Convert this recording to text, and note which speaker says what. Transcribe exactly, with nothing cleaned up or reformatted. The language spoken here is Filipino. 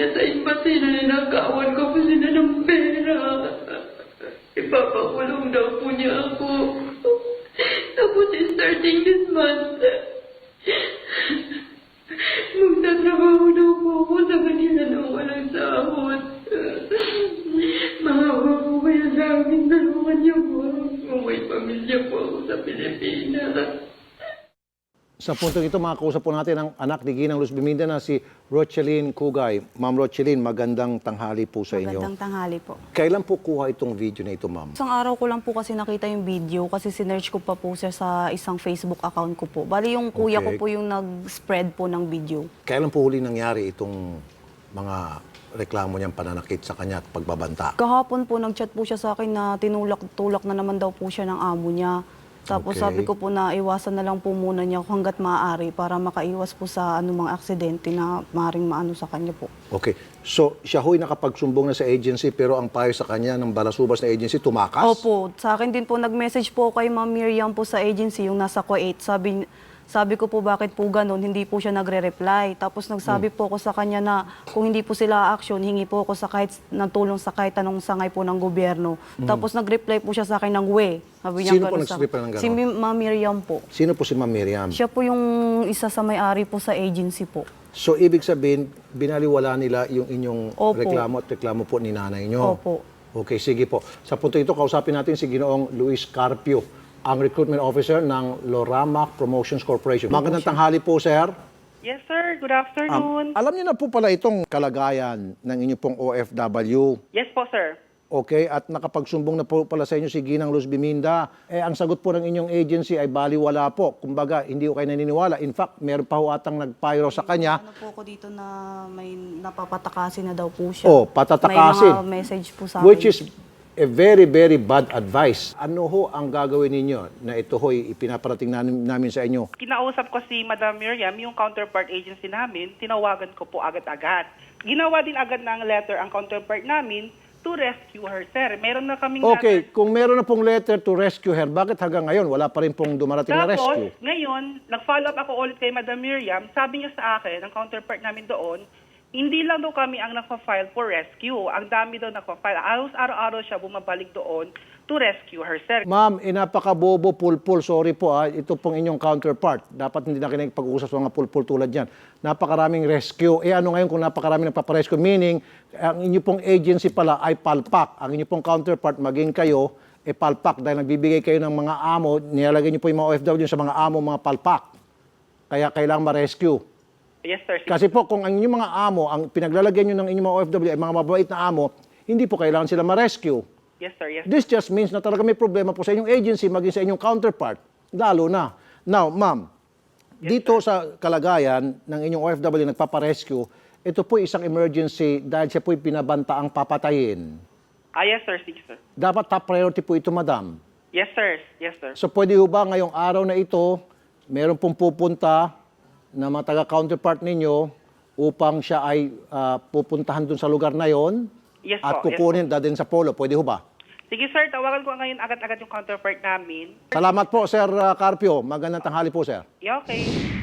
Speaker 1: niya sa embassy na ninakawan ko po sila ng pera. Ipapakulong daw po niya ako. Tapos starting this month, magtatrabaho daw po ako sa kanila nang walang sahod. Maawa po kaya sa akin, tulungan niyo po. Kung may pamilya po ako sa Pilipinas.
Speaker 2: Sa puntong ito, makakausap po natin ang anak ni Ginang Luz Biminda na si Rocheline Cugay. Ma'am Rocheline, magandang tanghali po sa inyo.
Speaker 3: Magandang tanghali po.
Speaker 2: Kailan po kuha itong video na ito, ma'am?
Speaker 3: Isang araw ko lang po kasi nakita yung video kasi sinerch ko pa po siya sa isang Facebook account ko po. Bali yung kuya
Speaker 2: Okay.
Speaker 3: ko po yung nag-spread po ng video.
Speaker 2: Kailan po huli nangyari itong mga reklamo niyang pananakit sa kanya at pagbabanta?
Speaker 3: Kahapon po nag-chat po siya sa akin na tinulak-tulak na naman daw po siya ng amo niya. Tapos
Speaker 2: Okay.
Speaker 3: sabi ko po na iwasan na lang po muna niya hanggat maaari para makaiwas po sa anumang aksidente na maaaring maano sa kanya po.
Speaker 2: Okay. So, siya ho'y nakapagsumbong na sa agency pero ang payo sa kanya ng balasubas na agency tumakas?
Speaker 3: Opo, sa akin din po nag-message po kay Ma'am Miriam po sa agency, yung nasa Kuwait. Sabi, sabi ko po bakit po ganun, hindi po siya nagre-reply. Tapos nagsabi
Speaker 2: Hmm.
Speaker 3: po ako sa kanya na kung hindi po sila action, hingi po ako sa kahit ng tulong sa kahit anong sangay po ng gobyerno. Tapos nag-reply po siya sa akin ng we. Sabi niya
Speaker 2: Hmm. Sino po
Speaker 3: ganun sa-
Speaker 2: nag-reply ng ganun?
Speaker 3: Si Mi- Ma'am Miriam po.
Speaker 2: Sino po si Ma'am Miriam?
Speaker 3: Siya po yung isa sa may-ari po sa agency po.
Speaker 2: So, ibig sabihin, binaliwala nila yung inyong
Speaker 3: Opo.
Speaker 2: reklamo at reklamo po ni nanay nyo?
Speaker 3: Opo.
Speaker 2: Okay, sige po. Sa punto ito, kausapin natin si Ginoong Luis Carpio, ang recruitment officer ng Loramac Promotions Corporation. Magandang tanghali po, sir.
Speaker 4: Yes, sir. Good
Speaker 2: Um,
Speaker 4: afternoon.
Speaker 2: alam niyo na po pala itong kalagayan ng inyong pong O F W.
Speaker 4: Yes po, sir.
Speaker 2: Okay, at nakapagsumbong na po pala sa inyo si Ginang Luz Biminda. Eh, ang sagot po ng inyong agency ay baliwala po. Kumbaga, hindi ko kayo naniniwala. In fact, meron pa ho atang nagpayro sa kanya.
Speaker 3: Ano po ako dito na may napapatakasin na daw po siya.
Speaker 2: Oh, patatakasin.
Speaker 3: May mga message po sa akin.
Speaker 2: Which is a very, very bad advice. Ano ho ang gagawin ninyo na ito ho'y ipinaparating namin, namin sa inyo?
Speaker 4: Kinausap ko si Madam Miriam, yung counterpart agency namin, tinawagan ko po agad-agad. Ginawa din agad ng letter ang counterpart namin to rescue her, sir. Meron na kaming
Speaker 2: Okay,
Speaker 4: letter.
Speaker 2: kung meron na pong letter to rescue her, bakit hanggang ngayon wala pa rin pong dumarating na
Speaker 4: Tapos,
Speaker 2: rescue?
Speaker 4: ngayon, nag-follow up ako ulit kay Madam Miriam. Sabi niya sa akin, ang counterpart namin doon, hindi lang daw kami ang nagpa-file for rescue. Ang dami daw nagpa-file. Aros araw-araw siya bumabalik doon to rescue her, sir.
Speaker 2: Ma'am, eh, napaka-bobo, pulpul. Sorry po, ah. Ito pong inyong counterpart. Dapat hindi na kayo pag-uusap sa mga pulpul tulad yan. Napakaraming rescue. Eh ano ngayon kung napakaraming nagpaparescue? Meaning, ang inyong pong agency pala ay palpak. Ang inyong pong counterpart, maging kayo, eh palpak. Dahil nagbibigay kayo ng mga amo, nilalagay niyo po yung mga O F W sa mga amo, mga palpak. Kaya kailangan ma-rescue.
Speaker 4: Yes, sir.
Speaker 2: Kasi po, kung ang inyong mga amo, ang pinaglalagyan nyo ng inyong mga O F W ay mga mababait na amo, hindi po kailangan sila ma-rescue.
Speaker 4: Yes, sir. Yes.
Speaker 2: This just means na talaga may problema po sa inyong agency, maging sa inyong counterpart. Lalo na. Now, ma'am, dito sa kalagayan ng inyong O F W na nagpaparescue, ito po isang emergency dahil siya po pinabanta ang papatayin.
Speaker 4: Ah, yes, sir. Sige, sir.
Speaker 2: Dapat top priority po ito, madam.
Speaker 4: Yes, sir. Yes, sir.
Speaker 2: So pwede ho ba ngayong araw na ito, meron pong pupunta na mga taga-counterpart ninyo upang siya ay ah, pupuntahan dun sa lugar na yon
Speaker 4: Yes
Speaker 2: at
Speaker 4: po, yes
Speaker 2: kukunin dadalhin sa polo. Pwede ho ba?
Speaker 4: Sige, sir. Tawagan ko ngayon agad-agad yung counterpart namin.
Speaker 2: Salamat po, Sir ah, Carpio. Magandang tanghali po, sir.
Speaker 4: Yeah, okay.